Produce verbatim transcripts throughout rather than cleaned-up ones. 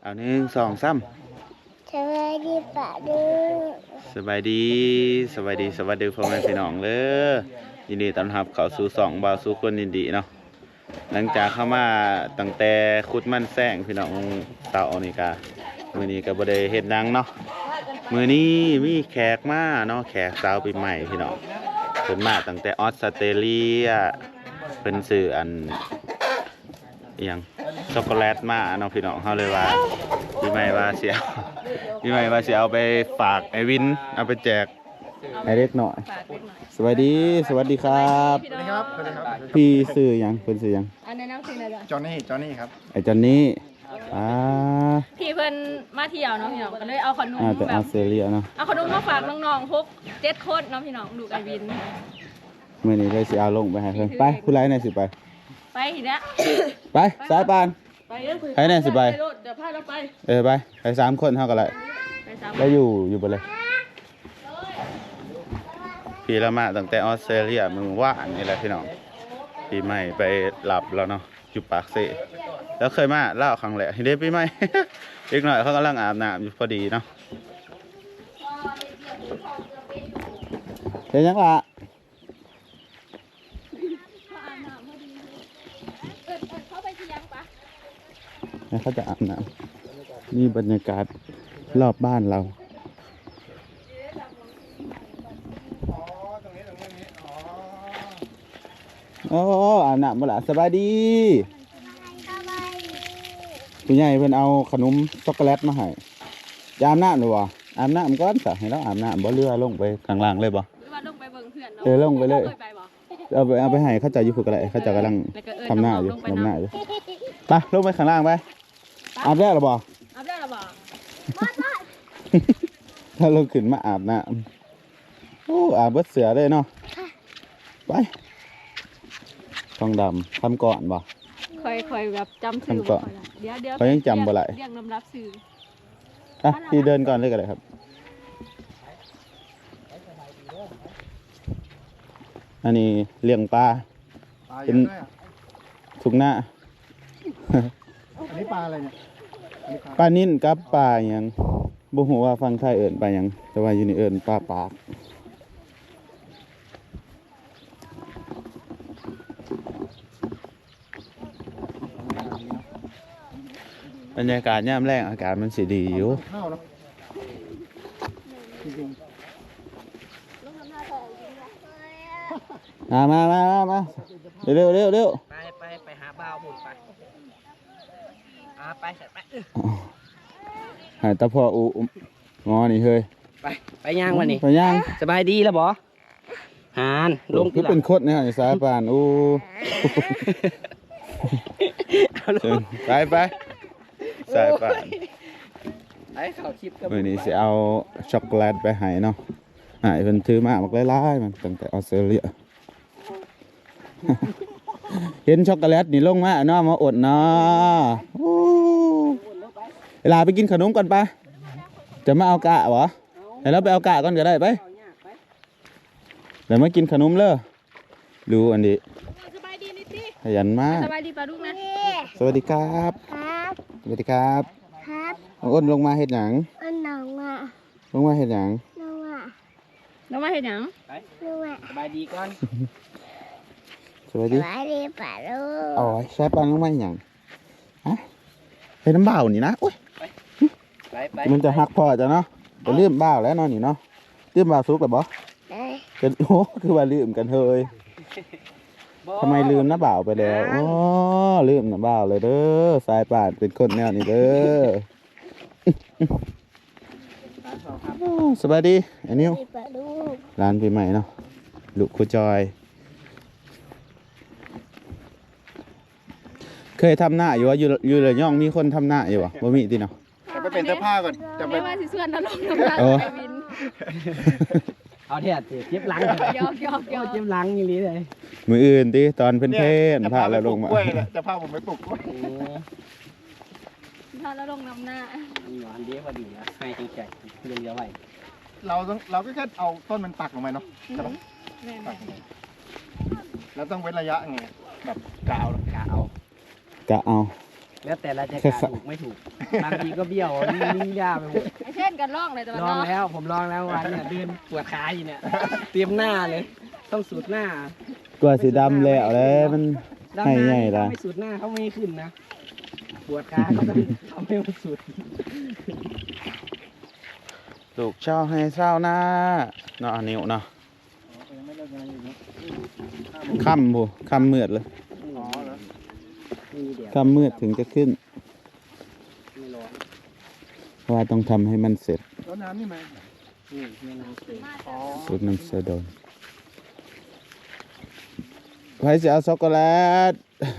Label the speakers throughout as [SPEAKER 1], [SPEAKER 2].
[SPEAKER 1] เอาหนึ่งสองสาม
[SPEAKER 2] สบายดีปะดู
[SPEAKER 1] สบายดีสบายดีสวัสดีพ่อแม่พี่น้องเลยยินดีต้อนรับเข้าสู่สองบ่าวสู่คนยินดีเนาะหลังจากเข้ามาตั้งแต่ขุดมันแซงพี่น้องสาวนี่กามื้อนี้ก็บ่ได้เฮ็ดหยังเนาะมื้อนี้มีแขกมาเนาะแขกสาวปีใหม่พี่น้องเพิ่นมาตั้งแต่ออสเตรเลียเพิ่นซื้ออันอีหยังช็อกโกแลตมาเนาะพี่น้องเฮาเลยว่าปีใหม่ว่าสิเอาปีใหม่ว่าสิเอาไปฝากไอ้วินเอาไปแจกไอ้เล็กหน่อยสวัสดีสวัสดีครับ
[SPEAKER 3] สวัสดีครับสวัสดีครับ
[SPEAKER 1] พี่ซื้อยังเพิ่นซื้อยัง
[SPEAKER 4] อันนี้น้ำสินะจ๊ะ
[SPEAKER 3] จอห์นนี่จอห์นนี่ครับ
[SPEAKER 1] ไอ้จอนนี่อ่า
[SPEAKER 4] พี่เพิ่นมาเที่ยวเนาะพี่น้องก็เลยเอาขนม
[SPEAKER 1] อ่าแต่
[SPEAKER 4] แบ
[SPEAKER 1] ออบ สเตรเลียเนาะ
[SPEAKER 4] เอาขนมมาฝากน้องๆพวกเจ็ดคนเนาะพี่น้องดูไอวิน
[SPEAKER 1] มื้อนี้เลยสิเอาลงไปให้เพิ่นไปผู้ใดน่ะสิไป
[SPEAKER 4] ไปทีเนี้ย
[SPEAKER 1] ไปสายปาน
[SPEAKER 4] ไปเด้อคุย
[SPEAKER 1] ไปแน่สิไป
[SPEAKER 4] รถเดี๋ยวพาเราไป
[SPEAKER 1] เออไปไปสามคนเท่ากันเลย
[SPEAKER 4] ไปสาม
[SPEAKER 1] แล้วอยู่อยู่บนเลยพี่ละมาตั้งแต่ออสเตรเลียมือว่านนี่แหละพี่น้องปีใหม่ไปหลับแล้วเนาะอยู่ปากเซ่แล้วเคยมาเล่าครั้งแรกเด็กปีใหม่ อีกหน่อยเขากำลังอาบน้ำอยู่พอดีเนาะเห็นยังล่ะเขาจะอาบน้ำนี่บรรยากาศรอบบ้านเราโอ้อาบน้ำมาละสบายดีผู้ใหญ่เพิ่นเอาขนมช็อกโกแลตมาให้จะอาบน้ำหรือวะอาบน้ำก่อนสะให้เราอาบน้ำบ่เรือลงไปข้างล่างเลยบ่
[SPEAKER 4] หรือว่าลงไปเบิ่งเพื่อนเนาะ
[SPEAKER 1] เออลงไปเลย
[SPEAKER 4] คไปบ่
[SPEAKER 1] เอาไปเอาไปให้เขาเจะอยู่ฝึกอะไรเขาเจะกำลัง
[SPEAKER 4] แล้วก็เอิ้
[SPEAKER 1] ทำหน้าอยู่
[SPEAKER 4] ลงไป
[SPEAKER 1] ทำหน้า
[SPEAKER 4] เนาะ
[SPEAKER 1] อยู่ไปลงไปข้างล่างไปอาบแล้วหรือบ่
[SPEAKER 4] อาบได้หรอบ่
[SPEAKER 1] ถ้าเราขึ้นมาอาบน้ำโอ้อาบเบิดเสือเลยเนาะไปทองดำทำก่อนบ่
[SPEAKER 4] ค่อยๆแบบจำชื่อ
[SPEAKER 1] ทำก่อน
[SPEAKER 4] บ่ค่อยได้เดี๋ยวเดี๋ยว
[SPEAKER 1] เขายังจำบ่ไหล
[SPEAKER 4] เรียกลำรับชื่อ
[SPEAKER 1] อ่ะพี่เดินก่อนเลยก็ได้ครับอันนี้เลี้ยงปลา
[SPEAKER 3] ปลาเย
[SPEAKER 1] เป็น
[SPEAKER 3] อะด้วยอ่ะ
[SPEAKER 1] ทุกหน้า
[SPEAKER 3] อันนี้ปลาอะไรเนี่ยอันนี้ปลา
[SPEAKER 1] ปลานิ่นกับปลาหยังบ่ฮู้ว่าฟังไทยเอิ้นปลาหยังแต่ว่าอยู่นี่เอิ้นปลาปากบรรยากาศยามแรงอากาศมันสิดีอยู่
[SPEAKER 3] ข้าวเนาะจริง
[SPEAKER 1] มามามามามาเร็วเร็วเร็ว
[SPEAKER 5] ไปไปไปหาบ่าวหมุนไปอ่าไปเสร็จไป
[SPEAKER 1] หายตาพ่ออุงอนี่เฮ้ย
[SPEAKER 5] ไปไปย่างวันนี้
[SPEAKER 1] ไปย่าง
[SPEAKER 5] สบายดีแล้วบอหานลง
[SPEAKER 1] คื
[SPEAKER 5] ที่
[SPEAKER 1] อ
[SPEAKER 5] หลั
[SPEAKER 1] เป็น
[SPEAKER 5] ง
[SPEAKER 1] โคตรเนี่ยสายปานอู้ เชิญไปไปสายปาน
[SPEAKER 5] ไอ้เขาคลิปกับ
[SPEAKER 1] มื้อนี้สิเอาช็อกโกแลตไปให้เนาะหายเพิ่นถือมาบักหลายๆมันตั้งแต่ออสเตรเลีย เห็นช็อกโกแลตนี่ลงมาเนาะมาอดเนาะอู้เวลาไปกินขนมก่อนปะจะมาเอากะเหรอให้เราไปเอากะก่อนก็ได้ไปเดี๋ยวมากินขนมเลยดูอันนี้
[SPEAKER 4] สบายดีนิดสิ
[SPEAKER 1] ขยันมาก
[SPEAKER 4] สบายดีปลาลูกนะ
[SPEAKER 1] สวัสดีครับ
[SPEAKER 2] ครับ
[SPEAKER 1] สวัสดีครับ
[SPEAKER 2] ครับ
[SPEAKER 1] เอาอ้นลงมาเห็ดหยัง
[SPEAKER 2] อันน้องอ่ะ
[SPEAKER 1] ลงมาเห็ดหยัง
[SPEAKER 2] น้องอ่ะ
[SPEAKER 4] แล้วมาเฮ็ดหยัง
[SPEAKER 2] น้องอ่ะ
[SPEAKER 5] สบายดีก่อน
[SPEAKER 1] สวัส
[SPEAKER 2] ส
[SPEAKER 1] ดี
[SPEAKER 2] บายดีปะดู
[SPEAKER 1] อ๋อใช้ปันลงมาเห็ดหยังฮะเป็นน้ำเบ่านี่นะอุ้ย
[SPEAKER 5] ไปไป
[SPEAKER 1] มันจะหักพอจะเนาะจะลืมเบ่าแล้วเนาะนี่เนาะลืมเบ่าซุกหรือบ่
[SPEAKER 2] เอ้ย
[SPEAKER 1] เป็นโอ้คือว่าลืมกันเฮยทำไมลืมน้าบ่าวไปแล้วอ๋อลืมน้าบ่าวเลยเด้อสายป่านเป็นคนแนวนี้เด้ออ๋อสบายดีอันนี้
[SPEAKER 2] ดีปะดู
[SPEAKER 1] ร้านปีใหม่เนาะลูกครูจอย เคยทำหน้าอยู่ว่าอยู่อยู่ระยองมีคนทำหน้าอยู่วะบ่มีติเนาะ
[SPEAKER 3] ๆจะไปเป็นเสื้อผ้าก่อนจะไป
[SPEAKER 4] ไม่ว่าสิส่วนแล้วลงน้ำลาย
[SPEAKER 1] เออ
[SPEAKER 4] ไอวิน
[SPEAKER 5] เอาเถอะเจ็บหลัง
[SPEAKER 4] ยอกยอกยอก
[SPEAKER 5] เจ็บหลังอย่างนี้เลย
[SPEAKER 1] มืออื่นติตอนเพิ่น
[SPEAKER 3] เนี่ย
[SPEAKER 1] เพ่น
[SPEAKER 3] จะ
[SPEAKER 1] พา
[SPEAKER 3] พาไป
[SPEAKER 1] แล้ว
[SPEAKER 3] ป
[SPEAKER 1] ล
[SPEAKER 3] ลู
[SPEAKER 1] ง
[SPEAKER 3] ก
[SPEAKER 1] มาก
[SPEAKER 3] ล้วยเนี่ยจะพาผมไปปลูกกล้วย
[SPEAKER 5] โอ้
[SPEAKER 4] พาแล้วลงน้ำหน้า
[SPEAKER 5] มีหวานดีพอดีนะให้จังใจเรียงเดียวไว้
[SPEAKER 3] เราต้องเราก็แค่เอาต้นมันปักลงไปเนาะใช่ปะ
[SPEAKER 4] แม่น
[SPEAKER 3] ปักลงไปแล้วต้องเว้นระยะไงแบบกาว
[SPEAKER 5] กะเอา
[SPEAKER 1] กะเอา
[SPEAKER 5] แล้วแต่เราจะกะถูกไม่ถูกบางทีก็เบี้ยวนิ่งยากไปหมด
[SPEAKER 4] ไอเช่นกันล่องเลยแต่ว่า
[SPEAKER 5] ลอง
[SPEAKER 4] เนาะ
[SPEAKER 5] แล้วผมลองแล้ววันเนี่ยเดินปวดขาอยู่เนี่ยเตรียมหน้าเลย ต้องสูดหน้าก
[SPEAKER 1] ว่าสีดำแล้วเลยมัน
[SPEAKER 5] ดำ
[SPEAKER 1] ให้
[SPEAKER 5] น้ำ
[SPEAKER 1] ใหญ่
[SPEAKER 5] นี่
[SPEAKER 1] ละ
[SPEAKER 5] ถ้าไม่สูดหน้าเขาไม่ให้ขึ้นนะปวดขาก็ต้องทำให้มันสุด
[SPEAKER 1] ลูกเช่าให้เช่าหน้าเนาะอันนิ้วเนาะ
[SPEAKER 3] ยังไม่เลิกงานอยู่เนาะ
[SPEAKER 1] ค่ำผู้ค่ำมืดเลย
[SPEAKER 3] อ๋อเหรอ
[SPEAKER 5] มีเดี๋ยว
[SPEAKER 1] ค่ำมืดถึงจะขึ้น
[SPEAKER 5] ไม่ร้อน
[SPEAKER 1] เพราะว่าต้องทำให้มันเสร็จ
[SPEAKER 3] แล้วน้ำนี่มา
[SPEAKER 5] นี่แม่น้ำเต็ม
[SPEAKER 3] อ๋อ
[SPEAKER 1] สูตรน้ำเสดนใครจะเอาช็อกโกแลต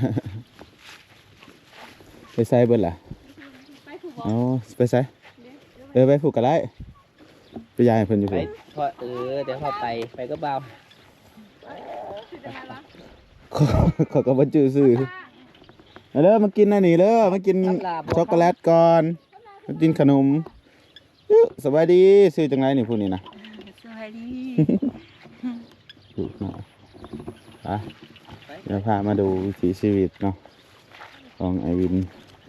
[SPEAKER 1] ไปใส่เบิดล่ะ
[SPEAKER 4] ไปถูกบอ
[SPEAKER 1] เอาไปใส่เออไปผูกกันได้ไปยายเพิ่นอยู่
[SPEAKER 5] ไป
[SPEAKER 1] พุ่น
[SPEAKER 5] พอเออเดี๋ยวพอไปไปก็เบา
[SPEAKER 4] คือจะไงวะ
[SPEAKER 1] ขอขอก็บ่จื้อซื่อเอาเด้อมากินอันนี้เด้อมากินช็อกโกแลตก่อนมากินขนมอิ๊วสบายดีซื้อจังไรนี่ผู้นี้นะ
[SPEAKER 4] สวัสดี
[SPEAKER 1] ถูกเนาะไปเดี๋ยวพามาดูวิถีชีวิตเนาะของไอวิน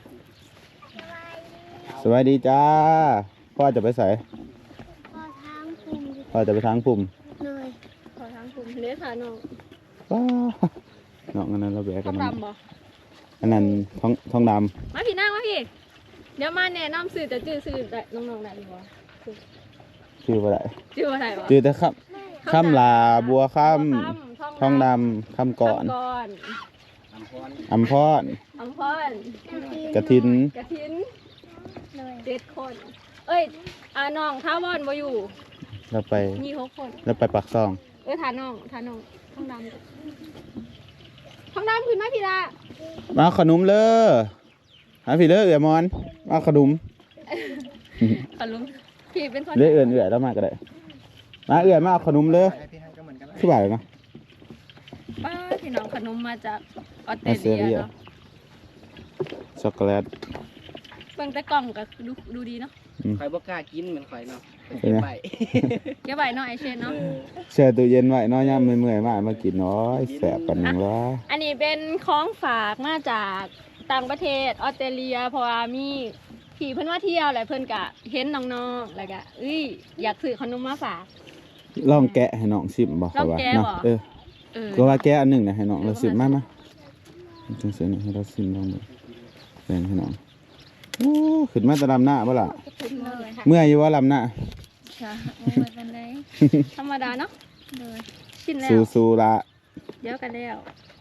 [SPEAKER 1] สวัสดีจ้าพ่อจะไปใส่
[SPEAKER 2] พอทางคุม
[SPEAKER 1] พ่อจะไปทางปุ่ม
[SPEAKER 2] เลย
[SPEAKER 4] ขอทางคุณเลี้ยค่ะน้อง
[SPEAKER 1] ว้าน้องอันนั้นเราแบก
[SPEAKER 4] ท
[SPEAKER 1] กั
[SPEAKER 4] อน ง
[SPEAKER 1] นะ
[SPEAKER 4] ดำบ่
[SPEAKER 1] อันนั้นท้องท้องด
[SPEAKER 4] มาพี่นั่งมาพี่ เดี๋ยวมาแนะนำสื่อจะจื้อสื่อได้น้องๆได้หรือเปล่า
[SPEAKER 1] ำชื่อว่าอะไร
[SPEAKER 4] จื้อว่าไรวะ
[SPEAKER 1] ชื่อแต่ข้ามข้ามลาบัวข้าม
[SPEAKER 4] บัว
[SPEAKER 1] ท้
[SPEAKER 4] ค่ำ
[SPEAKER 1] องดำข้ามก่อน
[SPEAKER 4] ก่อน
[SPEAKER 5] อัมพร
[SPEAKER 1] อัมพร
[SPEAKER 4] อัมพร
[SPEAKER 1] กระทิน
[SPEAKER 4] กระทิน
[SPEAKER 2] เลย
[SPEAKER 4] เจ็ดคน เอ้ยอ่าน้องท้าวอนบ่อยู่
[SPEAKER 1] เราไป
[SPEAKER 4] มีหกคน
[SPEAKER 1] เราไปปักซอง
[SPEAKER 4] เออทาน้องทาน้องท้องดำท้องดำขึ้นมาพี่ละ
[SPEAKER 1] มาเอาขนมเลยหาพี่เลยเอือมอนมาเอาขนม
[SPEAKER 4] ขอลุงพี่เป็นคน
[SPEAKER 1] เลื่อยเอื่อนเอื่อยแล้วมาก็ได้มาเอื่อยมาเอาขนมเลย
[SPEAKER 3] ให้พี่ให้ก็เหมือนกันนะ
[SPEAKER 1] คือบ่ายเนาะ
[SPEAKER 4] ป้าพี่น้องขนมมาจากออสเตร
[SPEAKER 1] ออสเตรเลี
[SPEAKER 4] เลีย
[SPEAKER 1] ย
[SPEAKER 4] เนาะ
[SPEAKER 1] ช็อกโกแลต
[SPEAKER 4] เบิ่งแต่กล่องก็ดูดูดีเนาะ
[SPEAKER 5] ข่อยบ่กล้ากินเหมือนข่อยเนาะไป
[SPEAKER 1] เป็
[SPEAKER 5] เก็
[SPEAKER 1] น
[SPEAKER 5] บ
[SPEAKER 1] ไง
[SPEAKER 5] ไว้
[SPEAKER 4] เก็บไว้เนาะไอเชนเนาะ
[SPEAKER 1] แช่ตู้เย็นไว้เน้อยย่ำเมื่อยๆมามากินน้อยแสบกันหนึ่งละ
[SPEAKER 4] อันนี้เป็นของฝากมาจากต่างประเทศออสเตรเลียเพราะว่ามีพี่เพิ่นว่าเที่ยวแหละเพิ่นกะเห็นน้องๆแล้วก็เอ้ยอยากซื้อขนมมาฝาก
[SPEAKER 1] ลองแกะให้น้องชิมบอกเขาว่า
[SPEAKER 4] ลองแกะ
[SPEAKER 1] เนาะ
[SPEAKER 4] บ่
[SPEAKER 1] เออ
[SPEAKER 4] เออ
[SPEAKER 1] ก็ว่าแกะอันหนึ่งนะให้น้องเราชิมมามาจังเสียหน่อยให้เราชิมลองดูแบ่งให้น้องโอ้ขึ้นมาแตะลำหน้าบ่ล่ะ
[SPEAKER 4] ขึ้นเลยค่ะ
[SPEAKER 1] เมื่อยอยู่ว่าลำหน้า
[SPEAKER 4] ค่ะโอ้ยเป็นไรธรรมดาเนาะเลยชินแล้ว
[SPEAKER 1] สู้ๆละ
[SPEAKER 4] เดี๋ยวกันแล้ว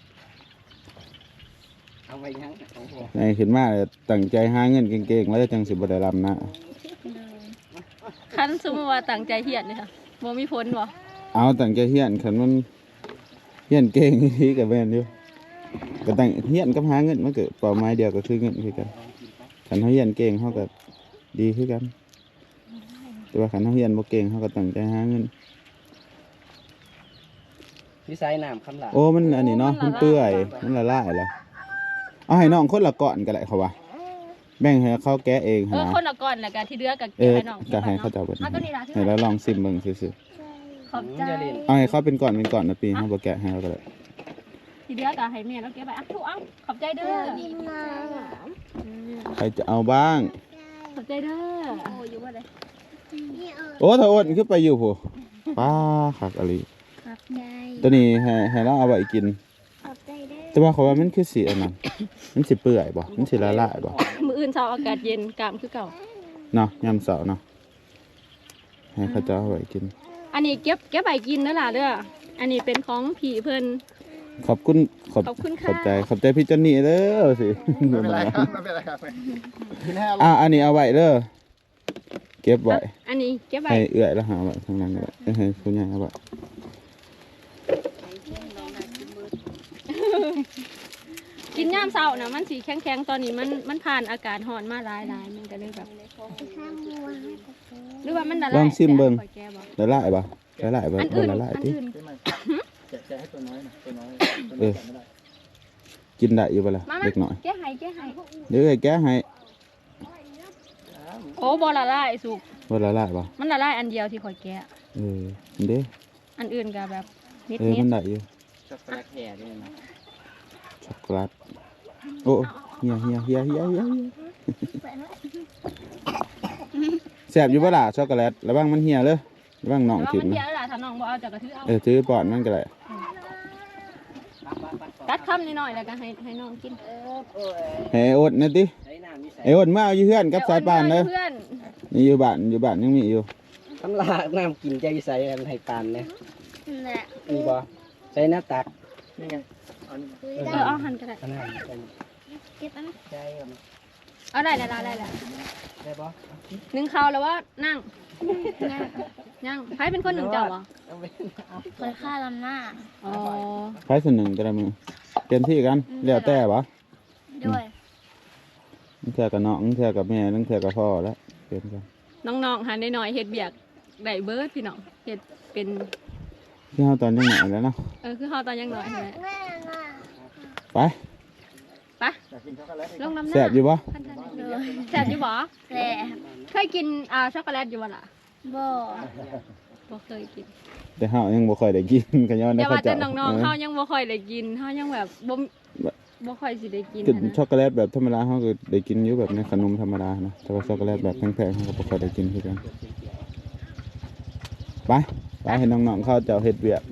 [SPEAKER 5] เอาไปยังของผม
[SPEAKER 1] ในขึ้นมาเลยตั้งใจหาเงินเก่งๆแล้วจังสิบ่ได้ลำหน้า
[SPEAKER 4] คันสมมติว่าตั้งใจเฮียนเลยค่ะบ่มีผลบ่
[SPEAKER 1] เอาตั้งใจเฮียนคันมันเฮียนเก่งที่กับแม่นอยู่ก็ตั้งเฮียนกับหาเงินมันก็เป้าหมายเดียวก็คือเงินคือกันคันเฮาเฮียนเก่งเฮาก็ดีคือกัน แต่ว่าคันเฮาเฮียนบ่เก่งเฮาก็ตั้งใจหาเงิน
[SPEAKER 5] พี่สายน้ำคำหลา
[SPEAKER 1] โอ้มันอันนี้เนาะมันเปื่อยมันละลายแล้วเอาให้น้องคนละก่อนก็ได้เขาว่าแบ่งให้เขาแกะเอง
[SPEAKER 4] เอ
[SPEAKER 1] หั่น
[SPEAKER 4] อ
[SPEAKER 1] นะ
[SPEAKER 4] คนละก่อนแล้วก็ที่เหลือก็
[SPEAKER 1] เอ
[SPEAKER 4] เก็บ
[SPEAKER 1] อ
[SPEAKER 4] ให้น้อง
[SPEAKER 1] ก็ให้เขาเจ้าเบิด
[SPEAKER 4] เอาตัวนี้ล่ะที่
[SPEAKER 1] ให้เราลองซิมเบิ่งซื่อ
[SPEAKER 4] ขอบใจ
[SPEAKER 1] ๆเอาให้เขาเป็นก่อนเป็นก่อนนะปีเฮาบ่แกะให้เขาก็ได้
[SPEAKER 4] ที่เหลือก็ให้แม่แล้วเก็บไปอ่ะทุกเอาขอบใจเด้อ
[SPEAKER 2] ดินน้
[SPEAKER 1] ใครจะเอาบ้าง
[SPEAKER 4] ขอบใจเด้อโอ้อยู่ว่าได
[SPEAKER 2] ำนี่เออ
[SPEAKER 1] โอ้ถ้าอ้วนขึ้นไปอยู่ผู้ป้าคักอะไร
[SPEAKER 2] ขอบใจ
[SPEAKER 1] ตัวนี้ให้ให้เราเอาไว้กิน
[SPEAKER 2] ขอบใจเด้อ
[SPEAKER 1] แต่ว่าเขาว่ามันคือสีอันนั้นมันสิเปื่อยบ่มันสิละลายบ่
[SPEAKER 4] มื้ออื่นเช้าอากาศเย็นกามคือเก่า
[SPEAKER 1] เนาะยามเสาร์เนาะให้เขาเจ้าเอาไว้กิน
[SPEAKER 4] อันนี้เก็บเก็บใบกินเด้อล่ะเด้ออันนี้เป็นของผีเพิ่น
[SPEAKER 1] ขอบคุณขอบ
[SPEAKER 4] ขอบคุณค่ะ
[SPEAKER 1] ขอบใจขอบใจพี่จอนนี่เด้อสิ
[SPEAKER 3] ไม่เป็นไรครับไม่เป็นไรครับกินให้อร่อย
[SPEAKER 1] อ่ะอันนี้เอาไว้เด้อเก็บไว้
[SPEAKER 4] อันนี้เก็บใบ
[SPEAKER 1] ให้เอื้อยแล้วหาไว้ข้างล่างก็ได้เอ้ยให้คุณยายเอาไว้
[SPEAKER 4] กินยามเช้านะมันสีแข็งๆตอนนี้มันมันผ่านอากาศร้อนมาหลายๆมันก็เลยแบบ
[SPEAKER 2] ข้ามวัวให้กับเธอ
[SPEAKER 4] หรือว่ามันละ
[SPEAKER 1] ล
[SPEAKER 4] ลา
[SPEAKER 1] อย งชิมเบิ่ง
[SPEAKER 4] ข่อยแก้บ่
[SPEAKER 1] ละลายบ่ละลายบ่
[SPEAKER 4] อัน
[SPEAKER 1] บ่
[SPEAKER 4] อื่น
[SPEAKER 1] ละลาย
[SPEAKER 4] อัน
[SPEAKER 1] ติ
[SPEAKER 4] อื่น
[SPEAKER 3] ใช่ไหมแกะแกะให้ตัวน้อยหน่อยตัวน้อยตัว
[SPEAKER 1] เอ
[SPEAKER 3] น้อย
[SPEAKER 1] อ
[SPEAKER 3] แกะไม่ได้
[SPEAKER 1] กินได้อยู่บ่ล่ะ
[SPEAKER 4] มามา
[SPEAKER 1] เล็กน้อย
[SPEAKER 4] แก้ให้แก้ให้
[SPEAKER 1] เดี๋ยวเอ้ยแกะให้
[SPEAKER 4] โอ้บ่ละลายสุก
[SPEAKER 1] บ่ละลายบ่
[SPEAKER 4] มันละลายอันเดียวที่ข่อยแก้
[SPEAKER 1] เอออันเด้
[SPEAKER 4] อันอื่นก็แบบนิ
[SPEAKER 1] เออ
[SPEAKER 4] ด
[SPEAKER 1] มันได้อยู่
[SPEAKER 5] ช็อกโกแลตแห่ด้วยนะ
[SPEAKER 1] ช็อกโกแลตโอ้
[SPEAKER 4] ๆเอา
[SPEAKER 1] เฮียเฮียเฮียเฮียเฮียเฮียแซ่บอยู่บ่ล่ะช็อกโกแลตระวังมันเหี่ยเลยระวังน้อง
[SPEAKER 4] แต่ว่า
[SPEAKER 1] ถิ่ม
[SPEAKER 4] มัน
[SPEAKER 1] นะ
[SPEAKER 4] เพี้ยแล้วล่ะถ้าน้องบ่เอาจากกระทือเอา
[SPEAKER 1] เออถือปอนมันก็ได้
[SPEAKER 4] ตัดคำนิดหน่อยแล้วก็ให้ให้น้องกิน
[SPEAKER 1] ให้ไอ้อดนะติ
[SPEAKER 5] ใช้น้ำนี่ใส่
[SPEAKER 1] ไอ้อดมาเอาอยู่เฮือนกับสายปานเด้อ
[SPEAKER 4] เพื่อน
[SPEAKER 1] นี่อยู่บ้านอยู่บ้านยังมีอยู่
[SPEAKER 5] ทำลายน้ำกินใจใส่อันให้ปานเนี่ย
[SPEAKER 2] นั่นแหละ
[SPEAKER 5] มีบ่ใส่น้ำตัก
[SPEAKER 3] นี่ไงอันนี้
[SPEAKER 2] คุย
[SPEAKER 4] เอ
[SPEAKER 2] ได้
[SPEAKER 4] อเอาหันก็ได้
[SPEAKER 5] อันนั้นใส่
[SPEAKER 2] เก็บอัน
[SPEAKER 5] ใส่กัน
[SPEAKER 4] เอาได้แล้วได้แล้ว
[SPEAKER 5] ได้บ่
[SPEAKER 4] หนึ่งข้าวแล้วว่านั่งนั่งใครเป็นคนหนึ่งเจ้าบ่
[SPEAKER 5] เอาไป
[SPEAKER 2] เคยฆ่าลำหน้า
[SPEAKER 4] อ๋อ
[SPEAKER 1] ไผส่วนหนึ่งก็ได้มือเต็มที่กันแล้วแต่บ่
[SPEAKER 2] ด้วย
[SPEAKER 1] นั่งเทื่อกับน้องนั่งเทื่อกับแม่นั่งเทื่อกับพ่อแล้วเป็นกัน
[SPEAKER 4] น้องๆหันหน่อยๆเฮ็ดเบียกได้เบิร์ดพี่น้องเฮ็ดเป็น
[SPEAKER 1] ที่เฮาตอนยังหน่อยแล้วเนาะ
[SPEAKER 4] เออคือเฮาตอนยังน้อยใช่ไหม
[SPEAKER 2] แม่น่ะ
[SPEAKER 1] ไป
[SPEAKER 4] ไป
[SPEAKER 3] อยากกินช็อกโกแลตอีก
[SPEAKER 4] ลงน้ำหน้า
[SPEAKER 1] แซ่บอยู่บ่
[SPEAKER 2] ด้วย
[SPEAKER 4] แซ่บอยู่บ่
[SPEAKER 2] แต่
[SPEAKER 4] เคยกินอ่าช็อกโกแลตอยู่บ่ล่ะ
[SPEAKER 2] บ่
[SPEAKER 4] บ่เคยกิน
[SPEAKER 1] แต่เฮายังบ่ค่อยได้กินกันย้อน
[SPEAKER 4] แต่
[SPEAKER 1] ได้
[SPEAKER 4] ว่า
[SPEAKER 1] เขา
[SPEAKER 4] แต่
[SPEAKER 1] เจ้า
[SPEAKER 4] น้องๆ
[SPEAKER 1] เอ
[SPEAKER 4] เฮา
[SPEAKER 1] อ
[SPEAKER 4] ยังบ่ค่อยได้กินเฮายังแบบบ่บ่ค่อยสิได้กิน
[SPEAKER 1] กิน
[SPEAKER 4] นะ
[SPEAKER 1] ช็อกโกแลตแบบธรรมดาเฮาก็ได้กินอยู่แบบในขนมธรรมดานะแต่ว่าช็อกโกแลตแบบแพงๆเฮาก็บ่ค่อยได้กินคือกันไปไปให้น้องๆเขาเจ้าเฮ็ดเวียก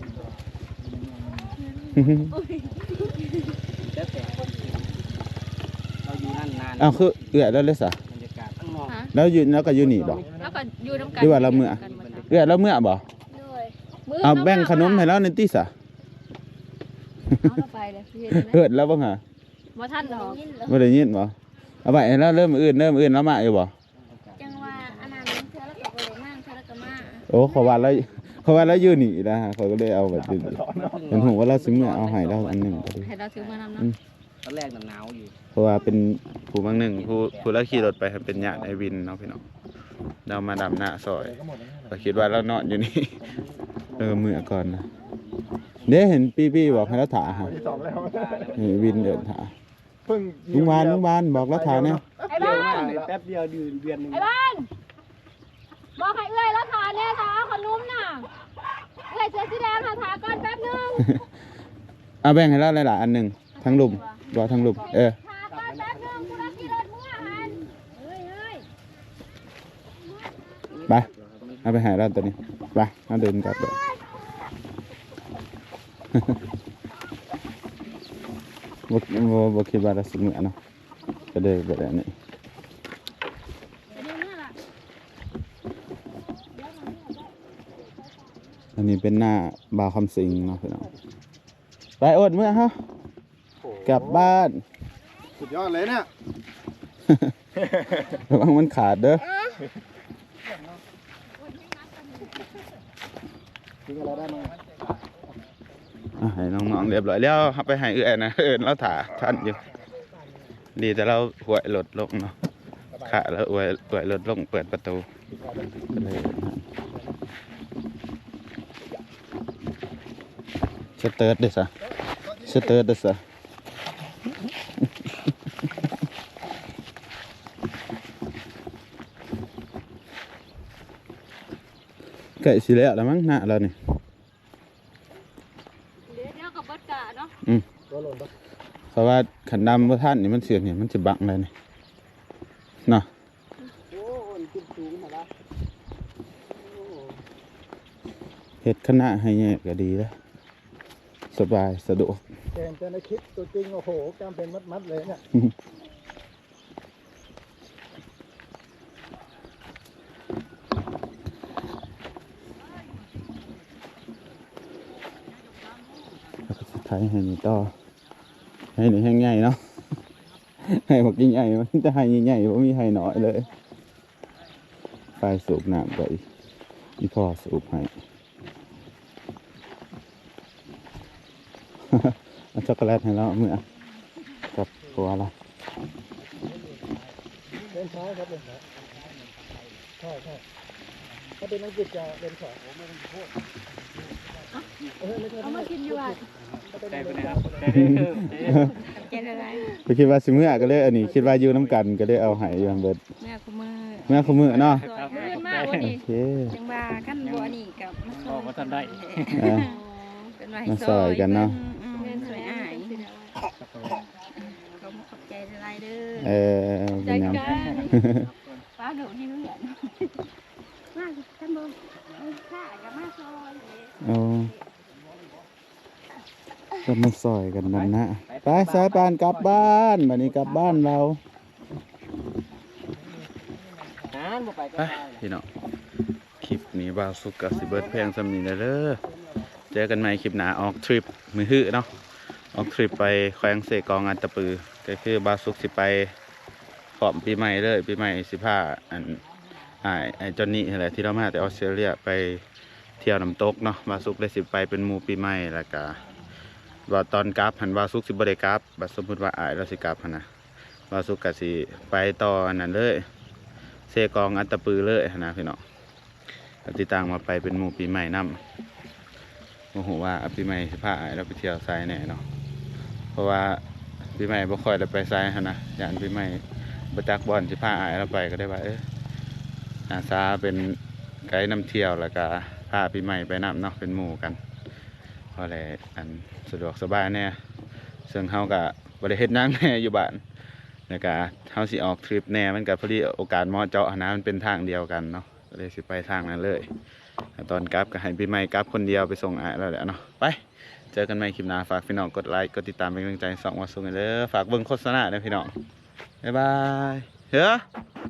[SPEAKER 5] แล้วแต่เราอยู่นั่นนาน
[SPEAKER 1] อ้าวคือเอื้อแล้วเลยซะ
[SPEAKER 5] บรรยากาศข้างนอก
[SPEAKER 4] ฮะ
[SPEAKER 1] แล้วอยู่แล้วก็อยู่นี่บ่
[SPEAKER 4] แล้วก็อยู่นำกัน
[SPEAKER 1] หรือว่าเราเมื่อ เอื้อแล้วเมื่อบ่
[SPEAKER 2] ด้วย
[SPEAKER 4] มื้
[SPEAKER 1] เอาแบ่งขนมให้เราในติซะ
[SPEAKER 4] เอาเราไปเลยพี่เฮ็ดนะ
[SPEAKER 1] เฮ็ดแล้วบ่ฮะ
[SPEAKER 4] บ่ทันดอก
[SPEAKER 2] ยินเหรอ
[SPEAKER 1] บ่ได้ยินบ่เอาไว้ให้เราเริ่มมื้ออื่นเริ่มมื้ออื่นแล้วมาอยู่บ่
[SPEAKER 2] จังว่าอันนั้นเธอแล้วก็บ่ได้นั่งเธอแล้วก็มา
[SPEAKER 1] โอ้เขาว่าแล้วเขาว่าแล้วอยู่นี่นะฮะเขาก็เลยเอาแบบนี้เห็นผมว่าเราซื้อเมื่อเอาให้เราอันหนึงก็ดี
[SPEAKER 4] ให้เราซื้อมานำ
[SPEAKER 1] อื
[SPEAKER 4] เนาะ
[SPEAKER 1] ม
[SPEAKER 5] ตอนแรกหนาวอยู่
[SPEAKER 1] เพราะว่าเป็นผู้บางหนึ่งผู้ผู้ละขี่รถไปครับเป็นญาติไอ้วินเนาะพี่น้องเรามาดำหน้าซอยก็คิดว่าเรานอนอยู่นี่ เออเมื่อก่อนนะเด้เห็นปีปี้บอกให้เราถ่าฮะ
[SPEAKER 3] ที่สองแล้ว
[SPEAKER 1] เห็นวินเดินถ่า
[SPEAKER 3] เพิ่ง
[SPEAKER 1] ลุงวานลุงวานบอกเราถ่าเนี่ย
[SPEAKER 4] ไอ้บ้าน
[SPEAKER 5] แป๊บเดียวเดือนเดือนหนึง
[SPEAKER 4] ไอ้บ้านบอกให้เอื้อยแล้วทานเนี่ยทาขนมน่ะเอื้อยเสื้อสีแดงหาทาก่อนแป๊บนึง
[SPEAKER 1] เอาแบ่งให้เราหลายๆอันหนึ่งทั้งลุมบอกทั้งลุมเออ
[SPEAKER 4] ทาก่อนแป๊บนึงกูรักขี่รถมึงอ่ะหันเฮ้ยเฮ้ย
[SPEAKER 1] ไปเอาไปใหาเราตัวนี้ไปเอาเดินกลับเลย บกบกคิดว่าเราสิเมื่อเนาะก็เลยแบบนี้อันนี้เป็นหน้าบาวคำสิงเนาะพี่น้องไปอดเมื่อฮะกลับบ้าน
[SPEAKER 3] สุดยอดเลยเนี่ย
[SPEAKER 1] ระวังมันขาดเด้อ
[SPEAKER 3] กินอะไรได้มั้ง
[SPEAKER 1] อ่ะให้น้องๆเรียบร้อยแล้วครับไปให้เอื้อนนะเอื้อนเราถ่าทันอยู่ดีแต่เราหวยรถลงเนาะขาแล้วหวยหวยรถลงเปิดประตูก็เลยสเติร์ดเด้อซะสเติร์ดเด้อซะไก่สิแล้วแล้วมั้งหน้าเรานี่
[SPEAKER 4] เดี๋ยวเดี๋ยวกับบัดกะเนาะ
[SPEAKER 1] อืม
[SPEAKER 3] ตัวหล่นปะ
[SPEAKER 1] เพราะว่าขันดำพระท่านนี่มันเสียงเนี่ยมันจะบังเลยนี่เนาะ
[SPEAKER 5] โอ้ยขึ้นสูงมาแล้ว
[SPEAKER 1] เฮ็ดคณะให้แยกก็ดีแล้วสบายสะดวก
[SPEAKER 3] เก่งแต่ในคลิปตัวจริงโอ้โหกล้ามเป็นมัดๆเลยเนี่ย
[SPEAKER 1] แล้วก็สุดท้ายให้นี่ต่อให้นี่แห้งใหญ่เนาะ ให้บอกยิ่งใหญ่มันจะให้ใหญ่ๆเพราะมีให้น้อยเลยไปสูบน้ำไปอีพ่อสูบให้ เอาช็อกโกแลตให้เราเมื่อกับตัวเรา
[SPEAKER 3] เล่นซ้ายครับเล่นซ้ายใช่ใช่ถ้าเป็นอังกฤษจะเล่นขวาผมไม่ต้องโทษเออไม่ใช่
[SPEAKER 4] เอามากินอยู่อ่ะ
[SPEAKER 3] ถ้าเป็น
[SPEAKER 5] ได้
[SPEAKER 3] เล่
[SPEAKER 5] ไป
[SPEAKER 3] น
[SPEAKER 5] ไหน
[SPEAKER 3] ซ้า
[SPEAKER 5] ค
[SPEAKER 3] ย
[SPEAKER 5] รับได้
[SPEAKER 4] เจนอะไร
[SPEAKER 1] ไปคิดว่าสิเมื่อก็เลยอันนี้คิดว่าอยู่น้ำกันก็เลยเอาให้อยังเบิด
[SPEAKER 6] แม่คุมือ
[SPEAKER 1] เมื่อเขามือเนาะ
[SPEAKER 4] เพื่อนมากวัน
[SPEAKER 1] โอ
[SPEAKER 4] นี้
[SPEAKER 1] เค
[SPEAKER 6] จังว่าขั้นบัวนี่กับมาซอย
[SPEAKER 5] มาทันได้
[SPEAKER 1] เออ
[SPEAKER 6] เป็นว่า
[SPEAKER 1] มาซอยกันเนาะ
[SPEAKER 6] อืม
[SPEAKER 4] เพื่อน
[SPEAKER 6] สวย
[SPEAKER 4] อา
[SPEAKER 6] อาย
[SPEAKER 4] ย
[SPEAKER 6] เขามาขอบใจอะไรเด้อ
[SPEAKER 1] เออเป็
[SPEAKER 4] จั
[SPEAKER 1] น
[SPEAKER 4] ด
[SPEAKER 1] หยัง
[SPEAKER 4] การป้าหนูที่เลือน
[SPEAKER 2] มาท่านบ่เอาข้ากับมาซอย
[SPEAKER 1] เอาก็มาซอยกันนั่นนะไปสายปานกลับบ้านบัดนี้กลับบ้านเรา
[SPEAKER 5] หานบ่ไปก็
[SPEAKER 1] ไป
[SPEAKER 5] ได้
[SPEAKER 1] พี่น้องคลิปนี้บ่าวสุกกับสิเบิร์ดเพลงสำนีนะเด้อเจอกันใหม่คลิปหน้าออกทริปมือหื้อเนาะออกทริปไปแขวงเสกองอันตะปือก็คือบ่าวสุกสิไปพร้อมปีใหม่เลยปีใหม่สิพาอันไอ้ไอ้จอนนี่อะไรที่เรามาแต่ออสเตรเลียไปเที่ยวน้ำตกเนาะบ่าวสุกได้สิไปเป็นหมู่ปีใหม่แล้วก็ว่าตอนกลับหันบ่าวสุกสิบ่ได้กลับบัดสมมุติว่าอ้ายเราสิกลับหั่นนะบ่าวสุกก็สิไปต่ออันนั้นเลยเสกองอันตะปือเลยหั่นนะพี่น้องก็ติดตามมาไปเป็นหมู่ปีใหม่นำโอ้โหว่าปีใหม่สิพาอ้ายเราไปเที่ยวไซแน่เนาะเพราะว่าปีใหม่บ่ค่อยได้ไปไซหั่นนะย่านปีใหม่บ่จักบ่อนสิพาอ้ายเราไปก็ได้ว่าเอ้ออาสาเป็นไกด์นำเที่ยวแล้วก็พาปีใหม่ไปนำเนาะเป็นหมู่กันเพราะอะไรอันสะดวกสบายแน่ซึ่งเฮาก็บ่ได้เฮ็ดหยังแน่อยู่บ้านแล้วก็เฮาสิออกทริปแน่มันก็พอดีโอกาสเหมาะเจาะหั้นนะมันเป็นทางเดียวกันเนาะก็เลยสิไปทางนั้นเลยตอนกลับก็ให้ปีใหม่กลับคนเดียวไปส่งอ้ายแล้วแหละเนาะไปเจอกันใหม่คลิปหน้าฝากพี่น้องกดไลค์กดติดตามเป็นกำลังใจส่องว่าส่งกันเด้อฝากเบิ่งโฆษณาด้วยพี่น้องบ๊ายบายเฮ้อ